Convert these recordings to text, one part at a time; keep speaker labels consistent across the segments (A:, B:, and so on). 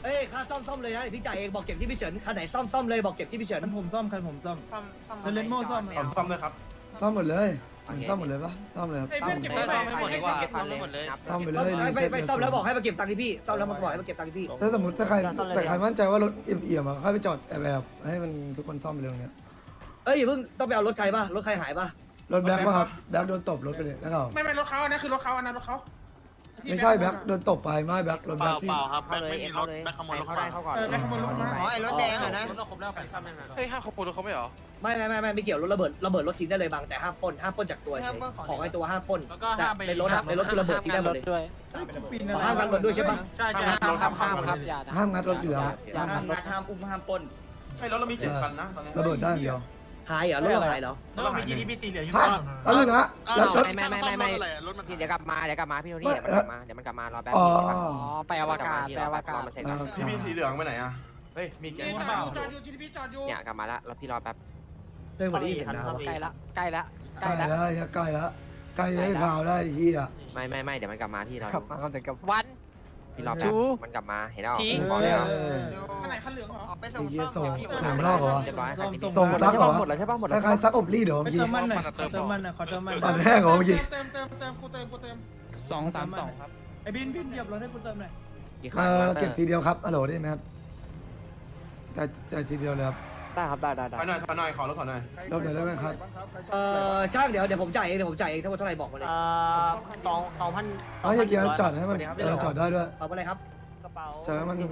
A: เอ้ยค่าซ่อมเลยนะพี่จ่ายเองบอกเก็บที่พี่เฉินคันไหนซ่อมเลยบอกเก็บที่พี่เฉิน
B: ผมซ่อมเลนโม่ซ่อม
C: ซ่อมเลยครับ
D: ซ่อมหมดเลยซ่อมหมดเลยปะซ่อมเลยครับ
E: ซ่อมไม่หมดดีกว่าซ่อมไม่หมดเลย
D: ซ่อมไปเลย
A: ไปซ่อมแล้วบอกให้มาเก็บตังค์ที่พี่ซ่อมแล้วมาบอกให้มาเก็บตังค์ที่พี่
D: ถ้าสมมติถ้าใครแต่ใครมั่นใจว่ารถเอี่ยมๆค่อยไปจอดแบบให้มันทุกคนซ่อมไปเลยตรงเนี้ย
A: เอ้ยอย่าเพิ่งต้องไปเอารถใครป่ะรถใครหายป่ะ
D: รถแบ็คป่ะครับแบ็คโดนตบรถไปเลยแล้วก็
B: ไม่รถเขาอันนั้นคือรถเขาอันนั้นรถเขา
D: ไม่ใช่แบ็คโดนตบไปไม่แบ็ครถแบ็คที่
C: ครับไม่มีรถแบ็คขโมยรถ
B: แบ็คขโมยรถมา
E: อ๋อไอ้รถแดงอะนะ
C: เฮ้ยห้าขโมยรถเขาไม่เหรอ
A: ไม่เกี่ยวรถระเบิดรถทิ้งได้เลยบางแต่ห้ามปล้นจากตัวของไอ้ตัวห้ามปล้นแต่ในรถคือระเบิดทิ้งได้หมดเลยห้ามกันหมดด้วยใช่ป่ะ
B: ใช่ครับอย่า
D: ห้ามงัดรถอยู่แล้ว
E: ห้ามงัดห้ามอุ้มห้ามปล้น
C: ไอ้รถเรามี7คันนะตอนนี้
D: ระเบิดได้อย่างเดียว
A: หายเหรอรถเราหายเหรอ
C: รถเรามี GDP สีเหลืองอยู่
D: ฮะแล้วนึงนะแล้วรถ
F: ไม่พี่เดี๋ยวกลับมาพี่โทนี่เดี๋ยวมันกลับมารอแป๊บ
D: อ๋อ
F: ไปอวกาศมันเสร็จ
C: พี่มีสีเหลืองไปไหนอะเฮ้ยมีแกงเปล่า
B: จอดอยู่ GTP จอดอยู่
F: เนี่ยกลับมาแล้วพี่รอแป๊บ
A: เรื่องวันนี้เห็นนะ
F: ใกล้ละ
D: ใกล้แล้วใกล้ได้ข่าวได้เฮีย
F: ไม่เดี๋ยวมันกลับมาพี่รอ
B: ขับมาแต่กับ
F: วันพี่รอแป๊บมันกลับมาเห็นแล้วบอกแล้ว
B: คันไหนคันเหลืองเหรอ
E: ไปส่ง
D: เฮีย
E: ซ่อม
D: ส่งนอกเหรอ
F: เรียบร้อย
D: ส่งซักเหรอ
B: หมดแล้วใช่ป่ะหมด
D: ค
B: แล้ว
D: ล้ายๆซักอบรีดเหรอเมื่อกี้
B: เติมมันหน่อยเติมมันหน่อยขอเติมมัน
D: ปั่นแห้งเหรอเมื่อกี้
B: เติมกูเติม232ครับไอ้บินเหยียบรถให้กูเติมหน่อย
D: เก็บทีเดียวครับฮัลโหลได้ไหมครับแต่ทีเดียวเลยครับ
B: ได้ครับได้
C: ถอยหน่อยขอรถถอยหน่อย
D: รถหน่อยได้ไหมครับ
A: ช่างเดี๋ยวผมจ่ายเองทั้งหมดเท่าไหร่บอกมาเลย
B: 2,000
D: ไม่ใช่เกียร์จอดให้มันจอดได้ด้วย
A: เอาอะไรครับ
B: กระเป๋า
D: จอดให้มัน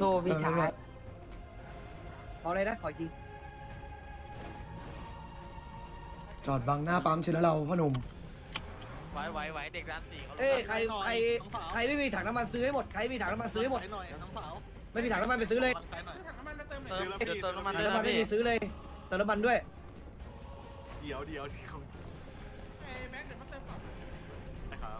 A: เอาอะไรนะขออีกที
D: จอดบังหน้าปั๊มเชนแล้วเราพ่อหนุ่ม
E: ไหวเด็กร้านสี่เขา
A: เอ้ยใครไม่มีถังน้ำมันซื้อให้หมดใครมีถังน้ำมันซื้อให้หมดไม่มีถังน้ำมันไปซื้อเลย
B: ซื้อถังน้ำมันมาเติมหน่
E: เติ
B: อย
E: มเดี๋ยวเติมน้ำมัน
A: ถัง
E: ด้วย
A: น้ำมั
E: นะ
A: นไม่
E: พี่
A: มีซื้อเลยเติมน้ำมันด้วย
C: เดี๋ยว
B: แม็กเดี๋ยวมาเติมก่อน
C: นะครับ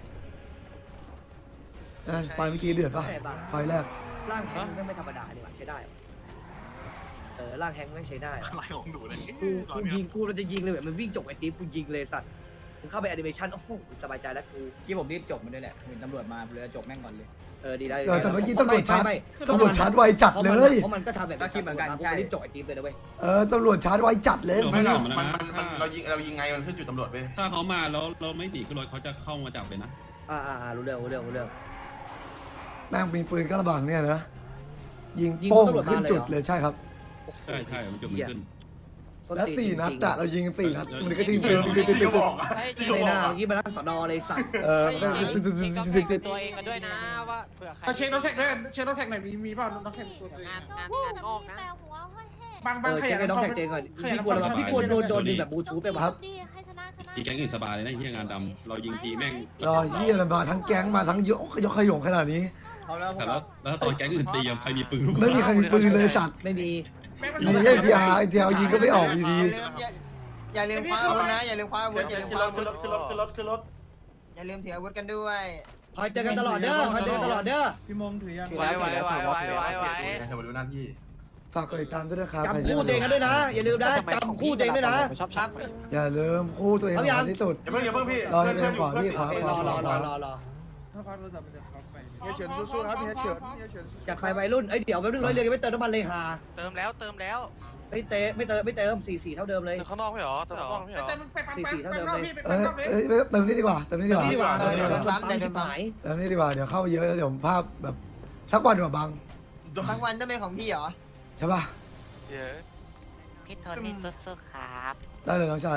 D: ไฟเมื่อกี้เดือดปะไฟแรก
A: ร่างแฮงค์ไม่ธรรมดาดีกว่าใช้ได้ร่างแฮงค์ไม่ใช้ได้
C: อะไรของหนูเลย
A: กูยิงกูเราจะยิงเลยแบบมันวิ่งจบไอ้ติ๊บกูยิงเลยสัตว์มึงเข้าไปแอนิเมชันโอ้โหสบายใจแล้วกู
G: ที่ผมรีบจบมันด้วยแหละเห็นตำรวจมาเลยจบแม่งก่อนเลย
A: ดีได้
D: แต่เมื่อกี้ตำรวจชาร์จไวจัดเลย
A: เพราะมันก็ทำแบบรีบจบไอ้ติ๊บเลยนะเว้ย
D: ตำรวจชาร์จไวจัดเลย
C: ไม่หรอกมันเรายิงไงมันขึ้นจุดตำรวจไป
H: ถ้าเขามาแล้วเราไม่หนีขึ้นรถเขาจะเข้ามาจับเลยนะ
A: รู้เรื่อง
D: แม่งมีปืนกระบังเนี่ยนะยิงโป้งขึ้นจุดเลยใช่ครับ
H: ใช่มันจุดมันขึ้น
D: แล้ว4 นัดอะเรายิง4 นัดมันก็ทิ้งปืน
A: ไม่น่าเมื่อกี้มานั่งสอนอเลยสัตว์
F: ตัวเองกันด้วยนะว่าเผื่อใคร
B: เช็ครถแท็กด้วยเช็ครถแท็กหน่อยมีเปล่ารถแท็กตัวเอง
F: งานงอกนะ
B: บาง
A: เช็คไอ้น้องแท็กเจงก่อนพี่กลัวโดนแบบบลูทูธไป
D: ครับ
H: ทีแก๊งอื่นสบายเลยนะที่งานดำเรายิงทีแม่ง
D: รอเฮียมาทั้งแก๊งมาทั้งยกขยงขนาดนี้
H: แต่แล้วตอนแก๊งอื่นตีใครมีปืน
D: ไม่มีใครมีปืนเลยสัตว์
A: ไม่มี
D: ยิงไอทีอาร์ยิงก็ไม่ออกอยู่ดี
E: อย่าลืมคว้าอาวุธนะอย่าลืมคว้าอาวุธอย่าลืมคว้าอาวุธ
C: ขึ้นรถ
E: อย่าลืมถืออาวุธกันด้วย
A: คอยเจอกันตลอดเด้อ
B: พี่มงถือยัง
E: ไว้
C: จะมาดูหน้าที่
D: ฝากกดติดตามด้วยนะครับ
A: จำคู่ตัวเองกันด้วยนะอย่าลืมนะจำคู่ตัวเองด้วยนะ
F: ชอบชัก
D: อย่าลืมคู่ตัวเองสำคัญที่สุด
C: อย่าเพิ่งพี่
D: รอให้เป็นขวาพี่ขวา
A: รอ
B: ถ้าคว้าโทรศัพท์มันจะคว้าไป
G: เฮียเฉินสู้ๆครับเฮียเฉิน
A: จัดไปวัยรุ่นเดี๋ยวไปเรื่องร้อยเรียนไม่เติมน้ำมันเลยฮา
E: เติมแล้ว
A: ไม่เติม4-4เท่าเดิมเลย
C: ข้างนอกไม่หรอเติมข้างนอกไม่หรอ
B: เติมไปปั๊มพี่
D: เติมนี่ดีกว่าเติมนี่ดีกว่า
A: นี่ดีกว่าชนปั๊มชิบหาย
D: เติมนี่ดีกว่าเดี๋ยวเข้าไปเยอะแล้วเดี๋ยวภาพแบบสักวันดีกว่าบัง
E: ทั้งวันต้องเป็นของพี่เหรอ
D: ใช่ป่ะ
F: พี่โทนี่สู้ๆครับ
D: ได้เลยน้องชาย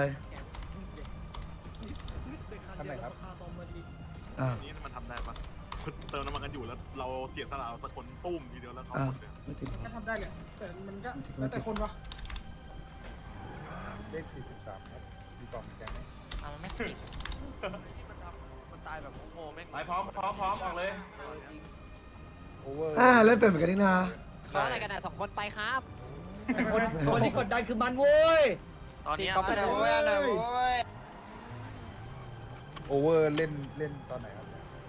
G: ทำไหนครับ
C: นี่มันทำได้ปะเติมน้ำมันกันอยู่แล้วเราเสียสละเราสักคนตุ้มทีเดียวแล้วเขา
D: ไม่ติด
B: ก็ทำได้เลยแต่มันก็แล้วแต่คนวะ
G: เลข43ครับมีกล่องแกงไหม
F: เอาไม่ติด
E: มันตายแบบโง่แม่ง
C: ไปพร้อมออกเลย
G: โอเวอร์
D: เล่นเป็นเหมือนกันนี่นา
F: เขาอะไรกันอ่ะ2 คนไปครับ
A: คนที่กดดันคือมันโว้ย
E: ตอนนี้เอาได้โว้ย
G: โอเวอร์เล่นตอนไหนครับ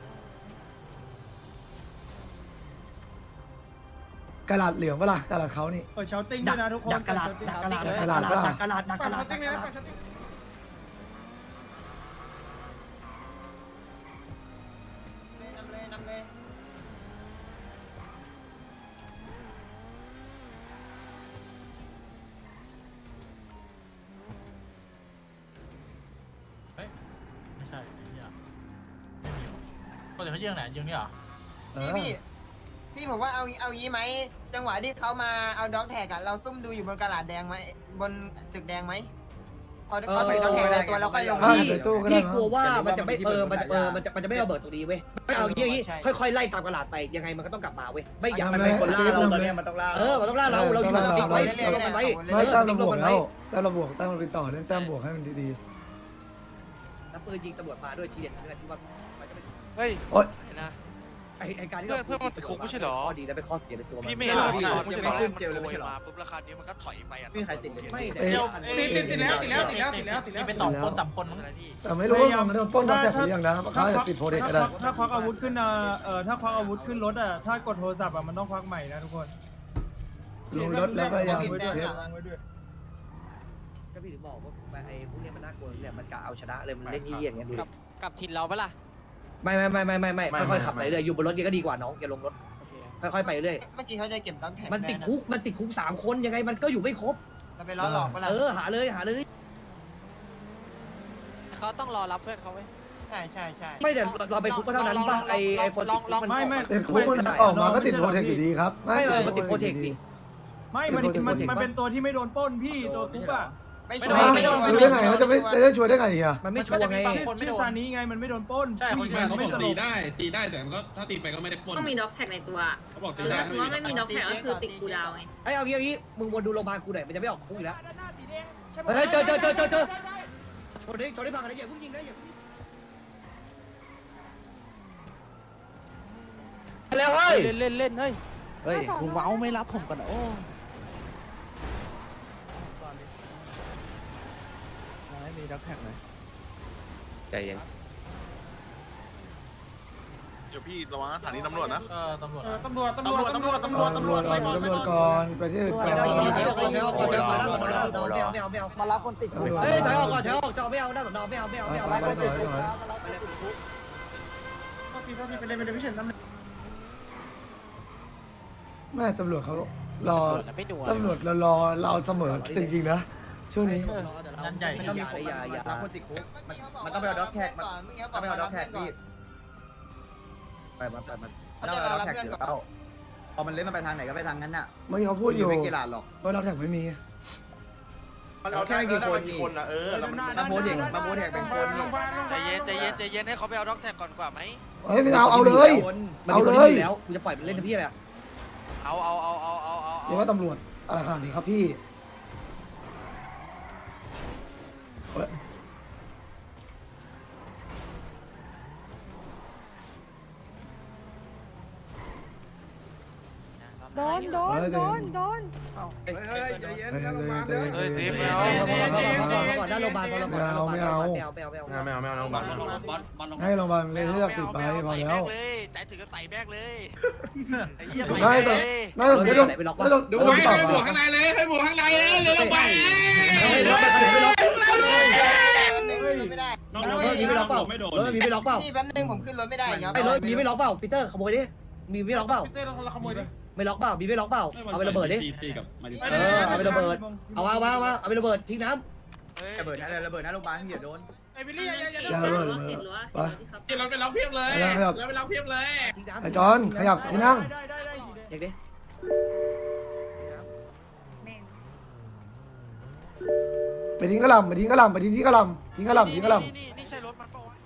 D: กระดาษเหลืองเปล่ากระดาษเขานี่
B: เชาติ้งด้วยนะทุกคน
A: ดักกระดาษ
B: ฝั่งเชาติ้งเลยนะฝั่งเชาติ้ง
E: นำเลย
B: ปกติเขายิงไหนยิงนี่เหรอ
D: เออ
E: พี่ผมว่าเอางี้ไหมจังหวะที่เขามาเอาด็อกแท็กอะเราซุ่มดูอยู่บนกระดาษแดงไหมบนตึกแดงไหมพอเขาใส่ด็อกแท็กในตัวเราค่อยลง
D: ใส่ตู้ก็ได้
A: พี่กลัวว่ามันจะไม่มันจะไม่ระเบิดตรงนี้เว้ยไม่เอาอย่างนี้ค่อยๆไล่ตามกระดาษไปยังไงมันก็ต้องกลับมาเว้ยไม่อย่างมันเป็นคนล่าเราตอนนี้มันต้องล่ามันต้องล่าเราอยู่กับติ๊กไว้เราลงมันไว้
D: ไม่แต้มเราบวกแล้วแต้มเราบวกแต้มเราไปต่อเล่นแต้มบวกให้มันดี
A: แล้วปืนยิงตำรวจมาด้วยทีเด็ดนี่แหละที่ว่ามันจะเป็น
I: เฮ้ย
D: ๆโอ๊ย
I: นะ
A: ไอ้การที่เรา
I: เพื่อนมันติดคุกไม่ใช่เหรอ
A: ข้อดีและเป็นข้อเสียในตัวมัน
I: พี่ไม่เห็นหรอตอนแรกมันโกยมาปุ๊บราคานี้มันก็ถอยไปอ่ะ
A: ไม่
B: ติดแล้วเป็น2 คน 3 คนมั้ง
I: อะไรพี่
D: แต่ไม่รู้ว่ามันโดนปล้นด็อกแท็กหรือยังนะเขาอาจจะติดโปรเทคก็ได้
B: ถ้าควักอาวุธขึ้นถ้าควักอาวุธขึ้นรถถ้ากดโทรศัพท์มันต้องควักใหม่นะทุกคน
D: ลงรถแล้วก็ยัง
B: ไว้
D: เทป
B: ด้วย
A: ก็พี่ถึงบอกว่าไอ้พวกนี้มันน่ากลัวเนี่ยมันกะเอาชนะเลยมันเล่นเยี่ยงเงี้ยดู
F: กับทินเราปะล่ะ
A: ไม่ค่อยๆขับไปเรื่อยอยู่บนรถก็ดีกว่าน้องอย่าลงรถค่อยๆไปเรื่อย
E: เมื่อกี้เขาจะเก็บด็อกแท็ก
A: มันติดคุก3 คนยังไงมันก็อยู่ไม่ครบ
E: เราไปล้อหลอกเวลา
A: หาเลย
F: เขาต้องรอรับเพื่อนเขาไว้
E: ใช่
A: ไม่แต่เราไปคุกก็เท่านั้นป่ะไอ้คนติดคุกมัน
B: ไม่
D: ติดคุกมันออกมาก็ติดโปรเทคอยู่ดีครับ
A: มันติดโปรเทคดิ
B: ไม่มันเป็นตัวที่ไม่โดนปล้นพี่ตัวคุกอ่ะ
E: ไม่ช่
D: รู้ได้ไงเขาจะไม่ได้ช่วยได้ไงอ่ะ
A: มันไม่ชัวร์ไง
B: ชื่อซานี้ไงมันไม่โดนปล้น
H: ใช่เขาบอกตีได้แต่มันก็ถ้าตีไปก็ไม่ได้ปล้น
J: ต้องมีด็อกแท็กในตัว
H: เขาบอก
J: ห
H: ตี
J: รือ
H: ได้
J: ถ้าสมมติว่าไม่มีด็อกแท็กก็คือติดกูดาวไง
A: ไอ้เอางี้มึงวนดูโรงพยาบาลกูหน่อยมันจะไม่ออกคุกอีกแล้วเฮ้ยเจอชนได้พังอะไรอย่าพุ่งยิงนะอย่าพุ่งแล้วเฮ้ย
F: เล่นเฮ้ย
A: เฮ้ย
F: คุณเมาไม่รับผมกันโอ้ไม่มีด็อกแท็กเลยใจเย็น
C: เดี๋ยวพี่ระวังสถานีตำรวจนะ
B: ตำรวจ
D: ตำรวจก่อนไปที่อื่นก่อน
A: มารับคนติดเฮ้ยถอยออกก่อนถอยออกจะไม่เอาหน้าสอนอไม่เอา
D: ไปถอย แม่ตำรวจเขารอตำรวจรอเราเสมอจริงๆนะช่วงนี้
B: นั่นใหญ่
A: ไม่ต้องมีคนอย่า
E: มันต้องไปเอาด็อกแท็กต้องไปเอาด็อกแท็กพี่
A: ไปมัน
E: เขาจะรอรับเพื่อนก่อน
A: พอมันเล่นมันไปทางไหนก็ไปทางนั้นน่ะ
D: เมื่อกี้เขาพูดอยู่
A: ไม่กีฬาหรอก
D: ว่าเราแท็กไม่มี
C: เราแค่ไม่กี่คนนะ
A: มาโมเดกเป็นคนนี่
I: ใจเย็นให้เขาไปเอาด็อกแท็กก่อนกว่าไหม
D: เฮ้ยไม่เอาเลย เอาเลย
A: แล้วกูจะปล่อยมันเล่นที่พี่อะไรอ่ะ
I: เอา
D: เรียกว่าตำรวจอะไรขนาดนี้ครับพี่
J: โดน
D: เฮ้ยทีม
A: ก่อนหน้าโรงพยาบาล
D: ไม่เอาให้โรงพยาบาลเลยเลือกติดไปพอแล้ว
I: ใจถึงก็ใส่แบกเลยไอ้เหี้ย
D: ไม่แต่ไม่ต้องไม่ต้องดูไม่ต้องบวกข้างใน
E: ไม่ได้
H: น้อง
A: มีไม่ล็อกเปล่า
H: ไม่โดน
A: มีไม่ล็อกเปล่า
E: พี่แป๊บนึงผมขึ้นรถไม่ได้ครับ
A: ไอ้รถมีไม่ล็อกเปล่าปีเตอร์ขโมยดิมีไม่ล็อกเปล่า
B: เต้เราขโมยดิ
A: ไม่ล็อกเปล่ามีไม่ล็อกเปล่าเอาไประเบิดดิ
H: ตีกับมาดิ
A: เอาไประเบิดเอาไประเบิดทิ้งน้
F: ระเบิดนะโรงพยาบาลที่อย่าโดน
B: ไอ้บิลลี่อย่า
D: อย่าเลย
J: เห็นหรือว่า
D: ไป
B: เราไปล็อกเพียบเลย
D: แล้วไปล็อก
A: ำทิ้งน้ำ
D: ไอ้จอนขยับที่นั่ง
A: เด็กดิ
D: ไปทิ้งกระหล่ำไปทิ้งกระหล่ำไปทิ้งที่กระหล่ำทิ้งกระหล่ำทิ้งกระหล่ำ
I: นี่ใช่รถมันเปล่าวะ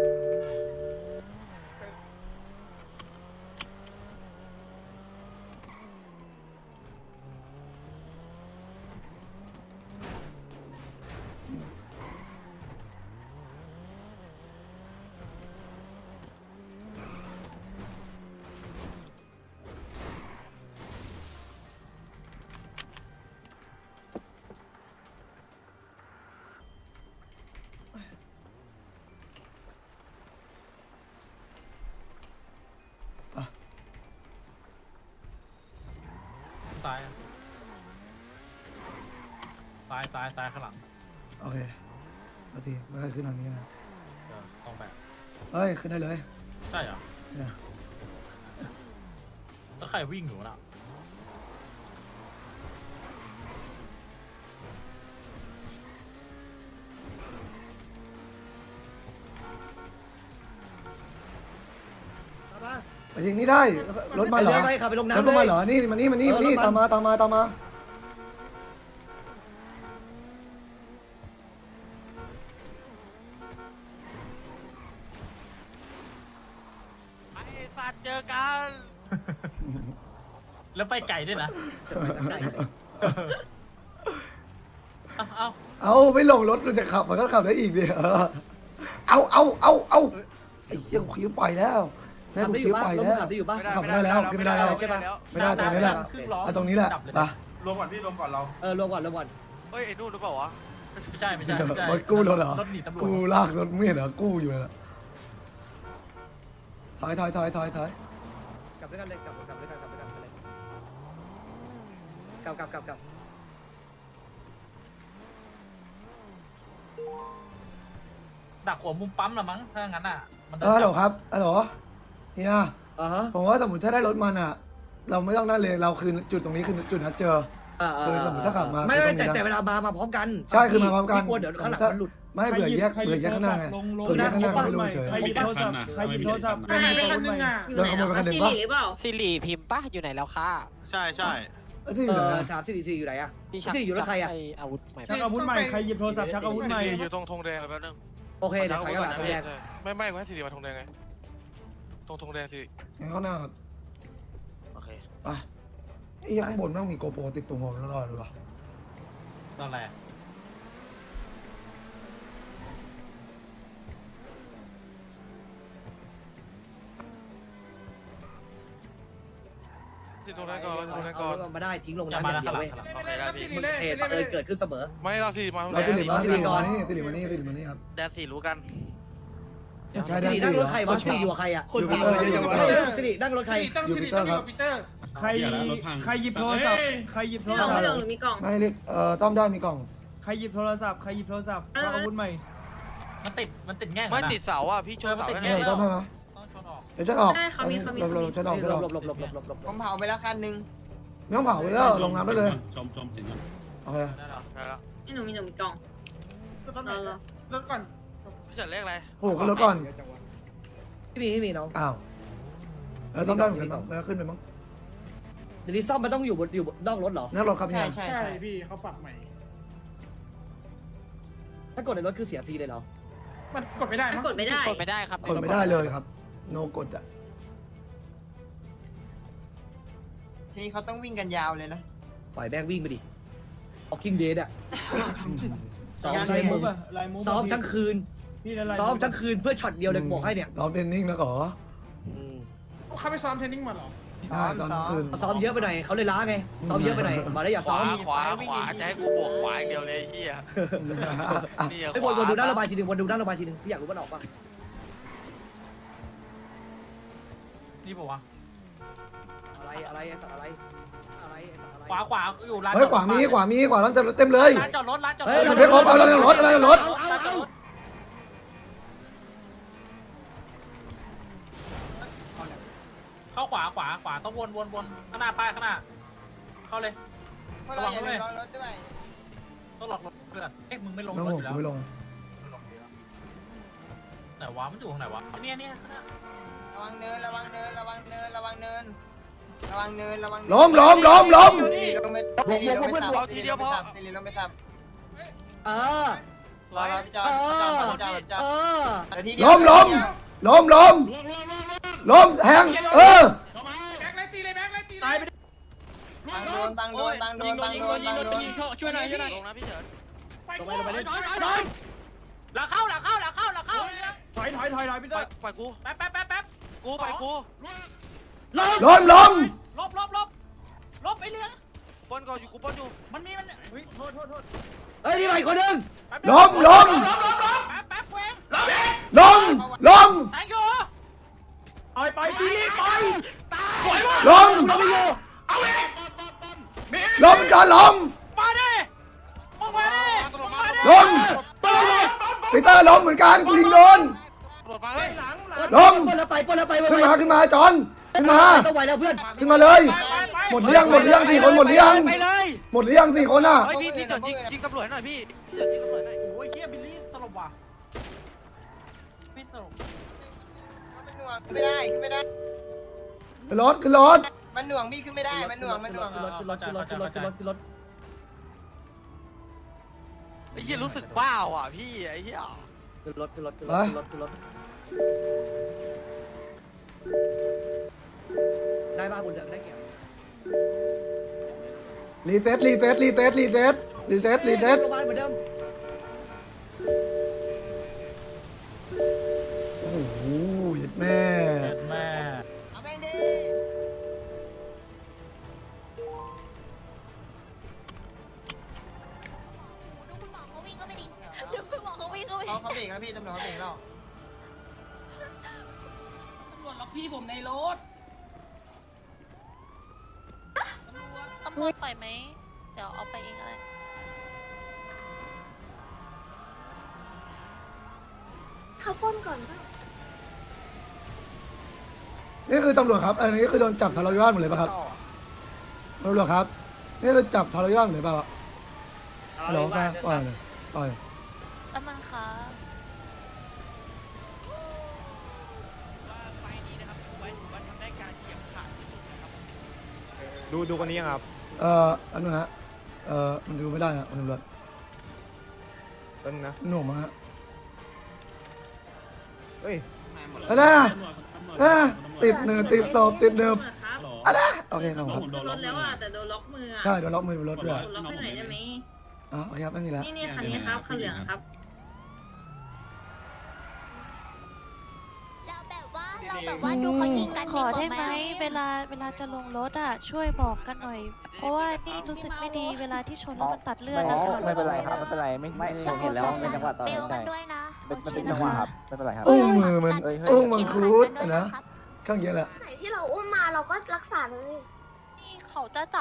B: ซ้ายข้างหลัง
D: โอเคเอาทีไม่ค่อยขึ้นทางนี้นะ
B: ตรงแบบ
D: เฮ้ยขึ้นได้เลย
B: ใช่เหรอ
D: เนี่ย
B: แล้วใครวิ่งอยู่น่ะ
D: ไปยิงนี่ได้รถมาเหรอ
A: ไปขับไปลง
D: รถ
A: น้ำ
D: พวก
A: เล
D: มัน
A: ย
D: เหรอนี่มานี่ตามมา
I: ไอ้สัตว์เจอกัน
B: แล้วไปไก่ด้วยนะเอา
D: เอาไม่ลงรถมันจะขับมันก็ขับได้อีกดิเอาไอ้เหี้ยกูขี่ไปแล้วแม่
A: ขับ
D: กู
A: ได้อ
D: ขี่
A: ยู่ป่ะ
D: ไป
A: รถ
D: แล้ว
A: ขับได้อยู่ป่ะ
D: ขับไม่ได้แล้วขึ้นไม่ได้แล้ว
A: ใช่ปะ
D: ไม่ได้ตรงนี้แหละเอาตรงนี้แหละไป
B: รวมก่อนพี่รวมก่อนเรา
A: รวมก่อนรวมก่อน
I: เฮ้ยไอ้นู่นหรือเปล่าวะ
B: ไม่ใช่ไม่ใช่
D: รถกู้รถเหรอ
B: รถหนีตำรวจ
D: กูลากรถเมียเหรอกู้อยู่น่ะถอย
A: กลับด้วยกันเลยกลับด้วยกันไปเลยกลับ
B: ดักหัวมุมปั๊มละมั้งถ้างั้นอ่ะมัน
D: ฮัลโหลครับฮัลโหลเฮีย
A: ฮะ
D: ผมว่าสมมติถ้าได้รถมันอ่ะ เราไม่ต้องนั่นเลยเราคือจุดตรงนี้คือจุดนัดเจอ คือสมมุติถ้าขับมา
A: ไม่
D: คือตรงนี้นะ
A: แต่เวลามาพร้อมกัน
D: ใช่คือมาพร้อมกัน
A: กลัวเดี๋ยวข้างหลังมันหลุด
D: ไม่เผื่อแยกข้างหน้าไงเผื่อแยกข้างหน้าก็ไม่รู้เฉย
B: ใครหยิบโทรศัพท์ใครหยิบโทรศัพท์
J: หายไปคันนึงอ่ะ
D: โดนขโมยไปคันหนึ่งปะ
J: ซีรีส์เปล่า
F: สิริพิมพ์ปะอยู่ไหนแล้วค่ะ
C: ใช่ใช่
D: ที่อยู่ไหนอะ
A: ถามซีอยู่ไหนอะ
F: พี่ชัก
A: สิริอยู่รถใครอะ
F: อาวุธใหม่
B: ชักอาวุธใหม่ใครหยิบโทรศัพท์ชักอาวุธใหม่
I: อยู่ตรงธงแดงแป๊บนึง
A: โอเคเดี๋ยวถอยกลับมาแยก
I: ไม่ว่าสิริมาธงแดงไงตรงธงแดงสิ
D: งั้นข้างหน้าครับ
I: โอเค
D: ไปไอ้ข้างบนต้องมีโกโปรติดตรงหัวตลอดเลยวะ
B: ตอนแรก
I: ที่ตรงนั้นก่อนตรงนั้นก่อน
A: เอามาได้ทิ้งลง
B: อย่า
A: น้ำ
B: มา
A: อย่าง
B: นะ
A: เดียว
B: ข้างหลั
A: เว้
B: ง
A: ย
I: โอเคได้พี่
A: เหตุบังเอิญเกิดขึ้นเสมอ
I: ไม่เราสิมาธง
D: เรา
I: แดง
D: ติดมาติดมานี่ครับ
I: แดนสี่รู้กัน
D: ใช่
A: สิ
D: ได้
A: ริ
D: ติ
A: นั่
D: ด
A: งรถใครวะสิริอยู่กับใครอะ
D: อยู่ปีเตอร์อยู่ปีเตอร์
A: สิรินั่งรถใคร
D: อยู่ปีเตอร์ครับ
B: ใครหยิบโทรศัพท์ใครหยิบโทร
J: กล่อง
B: ศัพท์
J: เหลืองหรือมีกล่อง
D: ไม่เรียกต้อมได้มีกล่อง
B: ใครหยิบโทรศัพท์ชักอาวุธใหม่มันติดแง่ง
I: ไม่ติดเสาอ่ะพี่ชนเสา
D: ไม่ต้อมให้มา
B: ต้องชนออก
D: เดี๋ยวฉันออก
J: ได้เขามี
D: เราฉันออก
A: หลบ
E: ผมเผาไปแล้วคันนึง
D: ไม่ต้องเผาเลยก็ลงน้ำได้เลย
H: ชมเห็นมัน
D: โอเค
I: ได้แล้ว
J: ให้หนูมีกล่องรอ
B: รถก่อน
I: พี่จัดเลขอะไร
D: โอ้โหขึ้นรถก่อน
A: ไม่มีน้อง
D: อ้าวต้องได้เหมือนกันมั้งแล้วขึ้นไปมั้ง
A: เดี๋ยวนี้ซ่อมมันต้องอยู่บนนอกรถเหรอ
D: นั่งรถครับ
E: ใช่
D: เนี่ย
E: ใช่
B: ใช่
E: ใช่
B: พี่เขาปรับใหม่
A: ถ้ากดในรถคือเสียฟรีเลยเหรอ
B: มันกดไม่ได้
J: มัน
B: มั้ง
J: กดไม่ได้
F: กดไม่ได้ครับ
D: กดไม่ได้เลยครับ โนกดอ่ะ
E: ทีนี้เขาต้องวิ่งกันยาวเลยนะ
A: ปล่อยแบงวิ่งไปดิออกคิงเดย์อะซ้อม
E: งาน
A: ใช้มึง
B: ลายมูฟ
A: ซ้อมทั้งคืน
B: พี่ละลาย
A: ซ้อมทั้งคืนเพื่อช็อตเดียวเลยบอกให้เนี่ย
D: เราเทรนนิ่งนะก่อ
B: เขาไปซ้อมเทรนนิ่งมาหรอ
D: ได้ตอนคืน
A: ซ้อมเยอะไปหน่อยเขาเลยล้าไงซ้อมเยอะไปหน่อยมาแล้วอย่า
I: ข
A: ซ้อ
I: วาม ขวาจะให้กูบวกขวาอย่างเดียวเลยเฮียนี่
A: ไอ้วนดูด้านระบายทีนึงวนดูด้านระบายทีนึงพี่อยากรู้มันออกป่ะ
B: นี่บอกว่า
A: อะไรไอ้สัตว์อะไรอะไร
B: ขวาอยู่ร้าน
D: เฮ้ยขวามีขวาร้านเต็มเลย
B: ร้านจอดรถ
A: เฮ้ย
D: ไม่ครบเอาแล้วรถรถ
B: เข้าขวาต้องวนข้างหน้าป้ายข้างหน้าเข้าเลย
E: พวกเราอย่าลืมรอรถด้วย
B: ต้องหลอกรถเพื่อนมึงไม่ลง
D: น้อง
B: รถ
D: ผ
B: อยู่แล้ว
D: มไม่ลง
B: ไหนวะมันอยู่ตรงไหนวะเนี่ยข้างหน้า
E: ระวังเนินระวังเนินระวังเนินระวังเนินระวังเนินระวัง
D: ล้ม
E: ทีลงไปทีลงไปทับทีลงไปทับ
A: เออ
E: รอพี่จอดจอด
A: เออ
D: ล้มแทง
B: ตายไป
E: บังโดน
B: ช่วยหน่อย
I: ลงนะพี่เฉิน
A: ลงไปเลย
B: หลังเข้าถอยพี่เตอร์
I: ฝ่ายกู
B: แป๊บ
I: กูไปกู
D: ล้ม
B: ลบไอ้เรื่อง
I: ปนก่อนอยู่กูปนอยู่
B: มันมีโทษ
A: เฮ้ยนี่ใหม่คนนึง
D: ล้ม
B: แป๊บเว้ง
D: ล้ม
B: แทงอยู่เอาไปทีไป
D: ล้ม
A: เราไม่อยู่
D: ล้มก่อนล้ม
B: มาดิมึงมาดิ
D: ล้มปีเตอร์ล้มเหมือนกันกูยิงโดน
I: ตำรวจมาเลย
D: ล้ม
A: ปนแล้วไป
D: ขึ้นมาจอนขึ้นมา
A: ต้องไหวแล้วเพื่อน
D: ขึ้นมาเลย หมดเลี้ยง4 คนหมดเลี้ยง
I: ไปเลย
D: หมดเลี้ยง4 คนอ่ะ
I: เฮ้ยพี่เฉินยิงตำรวจหน่อยพี่เฉินยิงตำรวจหน่อย
B: โอ้ยเกียบิลลี่สลบว่ะพี่สลบ
E: ไม่ได้
D: ขึ้นรถขึ้นรถ
E: มันหน่วงพี่ขึ้นไม่ได้มันหน่วงมันหน่วง
A: ขึ้นรถ
I: ไอ้เหี้ยรู้สึกบ้าว่ะพี่ไอ้เหี้ย
A: ขึ้นรถได้ป่ะบุญเดือนได้เกี่ยว
D: รีเซ็ต
A: โรงพยาบาลเหมือนเดิม
D: โอ้โหแม่
B: แม่
E: เอาแม่งดิ
K: ดูคุณหมอเขาวิ่งก็ไม่ดีดูคุณหมอเขาวิ่งก็ไม่ดี
E: เขาเบรกแล้วพี่ตำรวจเขาเบรกแล้ว
J: ตำรวจล็อกพี่ผมในรถ
K: ตำรวจปล่อยไหมเดี๋ยวเอาไปเองอะไร เขาป้นก่อนป่ะ
D: นี่คือตำรวจครับ อันนี้คือโดนจับทะเลาะวิวาทหมดเลยป่ะครับตำรวจครับ นี่คือจับทะเลาะวิวาทหมดเลยป่ะฮัลโหลแฟนปล่อยเลยปล่อย
K: แล้วมันคะ
I: ไฟนี้นะครับถือว่าทำได้การเฉียบขาดที่สุดนะครับ
G: ดูคนนี้ยังครับ
D: อันนู้นฮะ มันดูไม่ได้ฮะมันตำรวจ
G: ต้นงนะ
D: หน่วงมั้งฮะ
G: เฮ้ย
D: ติดเนิบติดศพติดเนิบ
J: ครับ
D: อะไรโอเคครับครับ
J: ขึ้นรถแล้วอ่ะแต่โดนล็อกมืออ่ะ
D: ใช่โดนล็อกมือบนรถด้วย
J: โดนล็อกให้หน่อยได้ไหม
D: อ๋อโอเคครับไม่มีแล้ว
J: นี่คันนี้ครับคันเหลืองครับ
K: เราแบบว่าดูเขายิงกัน
L: ขอได้ไหมเวลาจะลงรถอ่ะช่วยบอกกันหน่อย เพราะว่านี่รู้สึกไม่ดีเวลาที่ชนแล้วมันตัดเลือดนะคะ
B: ไม่เป็นไรครับไม่เป็นไรไม่เห็นแล้วเป็นจังหวะตอน
K: เบล
B: ใช่
K: กันด้วยนะ
B: เป็นจังหวะครับไม่เป็นไรครับ
D: อุ้งมือมันอุ้งมังคุดนะข้างเยอะแหละ
K: ไหนที่เราอุ้มมาเราก็รักษาเลย นี่เขาจะ